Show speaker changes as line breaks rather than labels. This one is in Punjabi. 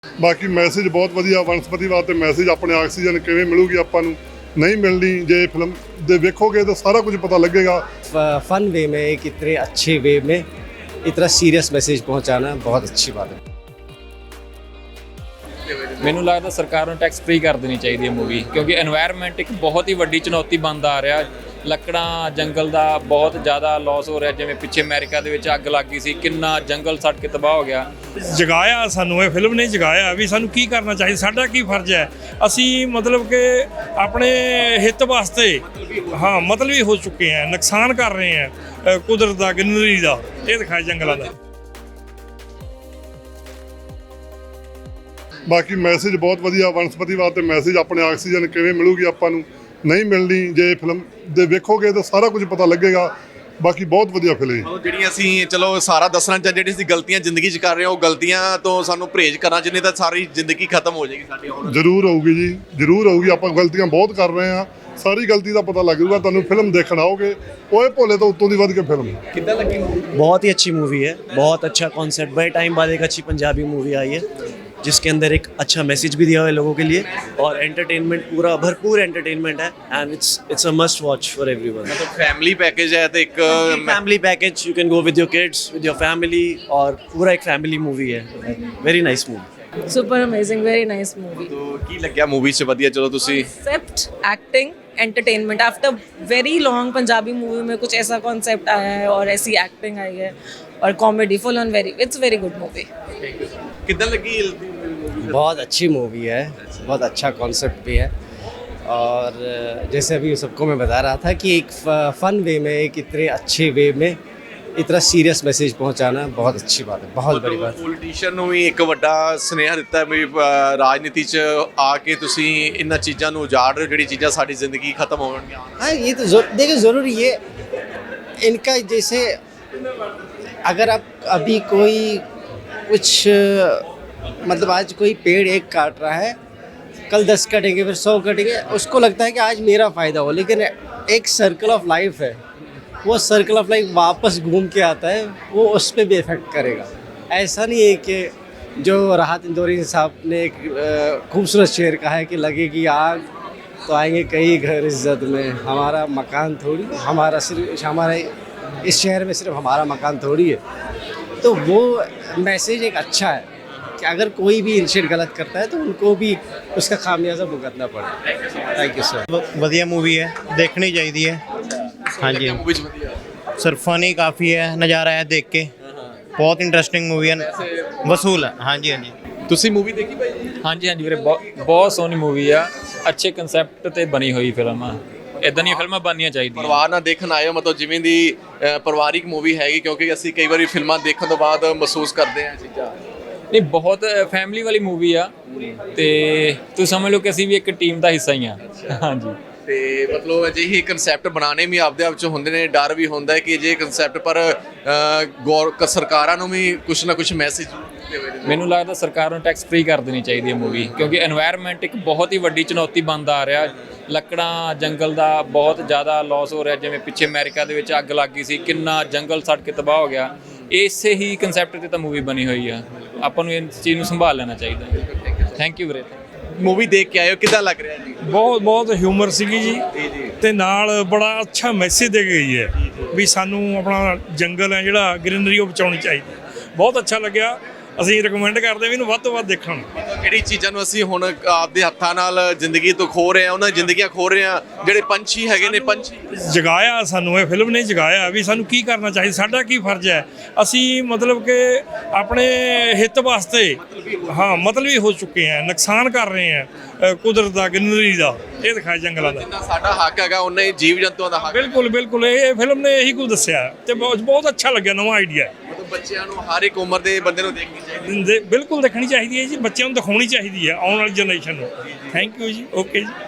ਬਾਕੀ ਮੈਸੇਜ ਬਹੁਤ ਵਧੀਆ ਵਨਸਪਤੀਵਾਦ ਤੇ ਮੈਸੇਜ ਆਪਣੇ ਆਕਸੀਜਨ ਕਿਵੇਂ ਮਿਲੂਗੀ ਆਪਾਂ ਨੂੰ नहीं मिलनी जे फिल्म दे देखोगे तो सारा कुछ पता लगेगा।
फन वे में एक इतने अच्छे वे में इतना सीरियस मैसेज पहुंचाना बहुत अच्छी बात है।
ਮੈਨੂੰ ਲੱਗਦਾ ਸਰਕਾਰ ਨੂੰ ਟੈਕਸ ਫ੍ਰੀ ਕਰ ਦੇਣੀ ਚਾਹੀਦੀ ਹੈ ਮੂਵੀ, ਕਿਉਂਕਿ এনवायरमेंट ਇੱਕ ਬਹੁਤ ਹੀ ਵੱਡੀ ਚੁਣੌਤੀ ਬਣਦਾ ਆ ਰਿਹਾ। ਲੱਕੜਾਂ ਜੰਗਲ ਦਾ ਬਹੁਤ ਜ਼ਿਆਦਾ ਲਾਸ ਹੋ ਰਿਹਾ, ਜਿਵੇਂ ਪਿੱਛੇ ਅਮਰੀਕਾ ਦੇ ਵਿੱਚ ਅੱਗ ਲੱਗ ਗਈ ਸੀ, ਕਿੰਨਾ ਜੰਗਲ ਸੜ ਕੇ ਤਬਾਹ ਹੋ ਗਿਆ।
ਜਗਾਇਆ ਸਾਨੂੰ ਇਹ ਫਿਲਮ ਨੇ ਜਗਾਇਆ ਵੀ ਸਾਨੂੰ ਕੀ ਕਰਨਾ ਚਾਹੀਦਾ, ਸਾਡਾ ਕੀ ਫਰਜ਼ ਹੈ। ਅਸੀਂ ਮਤਲਬ ਕਿ ਆਪਣੇ ਹਿੱਤ ਵਾਸਤੇ ਮਤਲਬੀ ਹੋ ਚੁੱਕੇ ਹਾਂ, ਨੁਕਸਾਨ ਕਰ ਰਹੇ ਹਾਂ ਕੁਦਰਤ ਦਾ, ਗ੍ਰੀਨਰੀ ਦਾ, ਇਹ ਦਿਖਾਇਆ ਜੰਗਲਾਂ ਦਾ।
ਬਾਕੀ ਮੈਸੇਜ ਬਹੁਤ ਵਧੀਆ ਵਨਸਪਤੀਵਾਦ ਤੇ ਮੈਸੇਜ ਆਪਣੇ ਆਕਸੀਜਨ ਕਿਵੇਂ ਮਿਲੂਗੀ ਆਪਾਂ ਨੂੰ ਨਹੀਂ ਮਿਲਣੀ ਜੇ ਫਿਲਮ ਦੇ ਵੇਖੋਗੇ ਤਾਂ ਸਾਰਾ ਕੁਝ ਪਤਾ ਲੱਗੇਗਾ। ਬਾਕੀ ਬਹੁਤ ਵਧੀਆ ਫਿਲਮ ਹੈ।
ਜਿਹੜੀਆਂ ਅਸੀਂ ਚਲੋ ਸਾਰਾ ਦੱਸਣਾ ਚਾਹ ਜਿਹੜੀ ਅਸੀਂ ਗਲਤੀਆਂ ਜ਼ਿੰਦਗੀ 'ਚ ਕਰ ਰਹੇ ਹਾਂ ਉਹ ਗਲਤੀਆਂ ਤੋਂ ਸਾਨੂੰ ਪਰਹੇਜ਼ ਕਰਨਾ ਚਾਹੀਦਾ, ਤਾਂ ਸਾਰੀ ਜ਼ਿੰਦਗੀ ਖਤਮ ਹੋ ਜਾਏਗੀ ਸਾਡੀ। ਹੁਣ
ਜ਼ਰੂਰ ਆਊਗੀ ਜੀ, ਜ਼ਰੂਰ ਆਊਗੀ। ਆਪਾਂ ਗਲਤੀਆਂ ਬਹੁਤ ਕਰ ਰਹੇ ਹਾਂ, ਸਾਰੀ ਗਲਤੀ ਦਾ ਪਤਾ ਲੱਗ ਜਾਊਗਾ ਤੁਹਾਨੂੰ ਫਿਲਮ ਦੇਖਣ ਆਓਗੇ। ਓਏ ਭੋਲੇ ਤੋਂ ਉੱਤੋਂ ਦੀ ਵੱਧ ਕੇ ਫਿਲਮ
ਕਿੱਦਾਂ ਲੱਗੀ ਮੂਵੀ?
बहुत ही अच्छी मूवी है, बहुत अच्छा कॉन्सेप्ट। बड़े टाइम बाद एक अच्छी पंजाबी मूवी आई है जिसके अंदर एक अच्छा मैसेज भी दिया हुआ है लोगों के लिए, और एंटरटेनमेंट पूरा भरपूर एंटरटेनमेंट है, and it's a must watch for everyone.
मतलब फैमिली पैकेज है तो एक
family package, you can go with your kids, with your family, और पूरा एक फैमिली मूवी है। Very nice movie,
super amazing, very nice movie.
तो की लग्या मूवी से ਵਧੀਆ? चलो ਤੁਸੀਂ
concept, acting, entertainment. After very long Punjabi movie में कुछ ऐसा कॉन्सेप्ट आया है और ऐसी एक्टिंग आई है और comedy full on, very it's very good movie.
ਕਿੱਦਾਂ ਲੱਗੀ?
बहुत अच्छी मूवी है, बहुत अच्छा कॉन्सेप्ट भी है, और जैसे अभी सबको मैं बता रहा था कि एक फ़न वे में एक इतने अच्छे वे में इतना सीरियस मैसेज पहुंचाना बहुत अच्छी बात है, बहुत बड़ी बात है।
ਪੋਲੀਟੀਸ਼ੀਅਨ ਨੂੰ ਵੀ ਇੱਕ ਵੱਡਾ ਸੁਨੇਹਾ ਦਿੱਤਾ ਵੀ ਰਾਜਨੀਤੀ 'ਚ ਆ ਕੇ ਤੁਸੀਂ ਇਹਨਾਂ ਚੀਜ਼ਾਂ ਨੂੰ ਉਜਾੜ ਰਹੇ ਹੋ, ਜਿਹੜੀ ਚੀਜ਼ਾਂ ਸਾਡੀ ਜ਼ਿੰਦਗੀ ਖਤਮ ਹੋਣਗੀਆਂ।
हाँ, ये तो देखिए ज़रूरी ये इनका, जैसे अगर आप अभी कोई कुछ मतलब आज कोई पेड़ एक काट रहा है, कल 10 कटेंगे, फिर 100 कटेंगे, उसको लगता है कि आज मेरा फ़ायदा हो, लेकिन एक सर्कल ऑफ लाइफ है, वो सर्कल ऑफ लाइफ वापस घूम के आता है, वो उस पर भी इफ़ेक्ट करेगा। ऐसा नहीं है कि जो राहत इंदौरी साहब ने एक खूबसूरत शेर कहा है कि लगेगी आग तो आएंगे कई घर इज्जत में, हमारा मकान थोड़ी, हमारा इस शहर में सिर्फ हमारा मकान थोड़ी है। तो वो मैसेज एक अच्छा है कि अगर कोई भी इनिशिएट गलत करता है तो उनको भी उसका खामियाजा भुगतना पड़े। Thank you sir.
ਵਧੀਆ मूवी है, देखनी चाहिए है। हाँ जी
मूवी 'ਚ ਵਧੀਆ
सर, फनी काफ़ी है, नज़ारा है देख के, बहुत इंटरेस्टिंग मूवी है, वसूल है। हाँ जी हाँ जी।
ਤੁਸੀਂ मूवी देखी भाई?
ਹਾਂਜੀ ਹਾਂਜੀ ਵੀਰੇ, ਬਹੁਤ ਸੋਹਣੀ ਮੂਵੀ ਆ, ਅੱਛੇ ਕਨਸੈਪਟ ਤੇ ਬਣੀ ਹੋਈ ਫਿਲਮ ਆ। ਇਦਾਂ ਦੀਆਂ ਫਿਲਮਾਂ ਬਣਨੀਆਂ ਚਾਹੀਦੀਆਂ।
ਪਰਿਵਾਰ ਨਾਲ ਦੇਖਣ ਆਏ ਹੋ, ਮਤਲਬ ਜਿਵੇਂ ਦੀ ਪਰਿਵਾਰਿਕ ਮੂਵੀ ਹੈਗੀ, ਕਿਉਂਕਿ ਅਸੀਂ ਕਈ ਵਾਰੀ ਫਿਲਮਾਂ ਦੇਖਣ ਤੋਂ ਬਾਅਦ ਮਹਿਸੂਸ ਕਰਦੇ ਹਾਂ ਚੀਜ਼ਾਂ।
ਨਹੀਂ, ਬਹੁਤ ਫੈਮਿਲੀ ਵਾਲੀ ਮੂਵੀ ਆ, ਤੇ ਤੁਸੀਂ ਸਮਝ ਲਓ ਕਿ ਅਸੀਂ ਵੀ ਇੱਕ ਟੀਮ ਦਾ ਹਿੱਸਾ ਹੀ ਆ। ਹਾਂਜੀ,
ਤੇ ਮਤਲਬ ਅਜਿਹੇ ਕਨਸੈਪਟ ਬਣਾਉਣੇ ਵੀ ਆਪਦੇ ਆਪ 'ਚ ਹੁੰਦੇ ਨੇ, ਡਰ ਵੀ ਹੁੰਦਾ ਹੈ ਕਿ ਅਜਿਹੇ ਕਨਸੈਪਟ ਪਰ ਸਰਕਾਰਾਂ ਨੂੰ ਵੀ ਕੁਛ ਨਾ ਕੁਛ ਮੈਸੇਜ
ਮੈਨੂੰ ਲੱਗਦਾ ਸਰਕਾਰ ਨੂੰ ਟੈਕਸ ਫ੍ਰੀ ਕਰ ਦੇਣੀ ਚਾਹੀਦੀ ਹੈ ਮੂਵੀ, ਕਿਉਂਕਿ এনवायरमेंट ਇੱਕ ਬਹੁਤ ਹੀ ਵੱਡੀ ਚੁਣੌਤੀ ਬਣਦਾ ਆ ਰਿਹਾ। ਲੱਕੜਾਂ ਜੰਗਲ ਦਾ ਬਹੁਤ ਜ਼ਿਆਦਾ ਲਾਸ ਹੋ ਰਿਹਾ, ਜਿਵੇਂ ਪਿੱਛੇ ਅਮਰੀਕਾ ਦੇ ਵਿੱਚ ਅੱਗ ਲੱਗ ਗਈ ਸੀ, ਕਿੰਨਾ ਜੰਗਲ ਸੜ ਕੇ ਤਬਾਹ ਹੋ ਗਿਆ। ਇਸੇ ਹੀ ਕਨਸੈਪਟ ਤੇ ਤਾਂ ਮੂਵੀ ਬਣੀ ਹੋਈ ਆ, ਆਪਾਂ ਨੂੰ ਇਸ ਚੀਜ਼ ਨੂੰ ਸੰਭਾਲ ਲੈਣਾ ਚਾਹੀਦਾ। ਥੈਂਕ ਯੂ ਵੀਰੇ।
ਮੂਵੀ ਦੇਖ ਕੇ ਆਏ ਹੋ, ਕਿੱਦਾਂ ਲੱਗ ਰਿਹਾ ਜੀ?
ਬਹੁਤ ਹਿਊਮਰ ਸੀਗੀ ਜੀ, ਤੇ ਨਾਲ ਬੜਾ ਅੱਛਾ ਮੈਸੇਜ ਦੇ ਗਈ ਹੈ ਵੀ ਸਾਨੂੰ ਆਪਣਾ ਜੰਗਲ ਹੈ ਜਿਹੜਾ, ਗ੍ਰੀਨਰੀ, ਉਹ ਬਚਾਉਣੀ ਚਾਹੀਦੀ। ਬਹੁਤ ਅੱਛਾ ਲੱਗਿਆ, ਅਸੀਂ ਰਿਕਮੈਂਡ ਕਰਦੇ ਵੀ ਇਹਨੂੰ ਵੱਧ ਤੋਂ ਵੱਧ ਦੇਖਣ।
ਜਿਹੜੀ ਚੀਜ਼ਾਂ ਨੂੰ ਅਸੀਂ ਹੁਣ ਆਪਦੇ ਹੱਥਾਂ ਨਾਲ ਜ਼ਿੰਦਗੀ ਤੋਂ ਖੋ ਰਹੇ ਹਾਂ, ਉਹਨਾਂ ਜ਼ਿੰਦਗੀਆਂ ਖੋ ਰਹੇ ਹਾਂ, ਜਿਹੜੇ ਪੰਛੀ ਹੈਗੇ ਨੇ, ਪੰਛੀ
ਜਗਾਇਆ ਸਾਨੂੰ ਇਹ ਫਿਲਮ ਨੇ ਜਗਾਇਆ ਵੀ ਸਾਨੂੰ ਕੀ ਕਰਨਾ ਚਾਹੀਦਾ, ਸਾਡਾ ਕੀ ਫਰਜ਼ ਹੈ। ਅਸੀਂ ਮਤਲਬ ਕਿ ਆਪਣੇ ਹਿੱਤ ਵਾਸਤੇ ਮਤਲਬੀ ਹੋ ਚੁੱਕੇ ਹਾਂ, ਨੁਕਸਾਨ ਕਰ ਰਹੇ ਹਾਂ ਕੁਦਰਤ ਦਾ, ਗ੍ਰੀਨਰੀ ਦਾ, ਇਹ ਦਿਖਾਇਆ ਜੰਗਲਾਂ ਦਾ।
ਜਿੰਨਾ ਸਾਡਾ ਹੱਕ ਹੈਗਾ ਉਹਨਾਂ ਹੀ ਜੀਵ ਜੰਤੂਆਂ ਦਾ ਹੱਕ।
ਬਿਲਕੁਲ ਬਿਲਕੁਲ, ਇਹ ਫਿਲਮ ਨੇ ਇਹੀ ਕੁਝ ਦੱਸਿਆ, ਤੇ ਬਹੁਤ ਅੱਛਾ ਲੱਗਿਆ, ਨਵਾਂ ਆਈਡੀਆ ਹੈ।
ਮਤਲਬ ਬੱਚਿਆਂ ਨੂੰ, ਹਰ ਇੱਕ ਉਮਰ ਦੇ ਬੰਦੇ ਨੂੰ ਦੇਖਣੀ ਚਾਹੀਦੀ ਹੈ।
ਬਿਲਕੁਲ ਦੇਖਣੀ ਚਾਹੀਦੀ ਹੈ ਜੀ, ਬੱਚਿਆਂ ਨੂੰ ਦਿਖਾਉਣੀ ਚਾਹੀਦੀ ਹੈ, ਆਉਣ ਵਾਲੀ ਜਨਰੇਸ਼ਨ ਨੂੰ। ਥੈਂਕ ਯੂ ਜੀ, ਓਕੇ ਜੀ।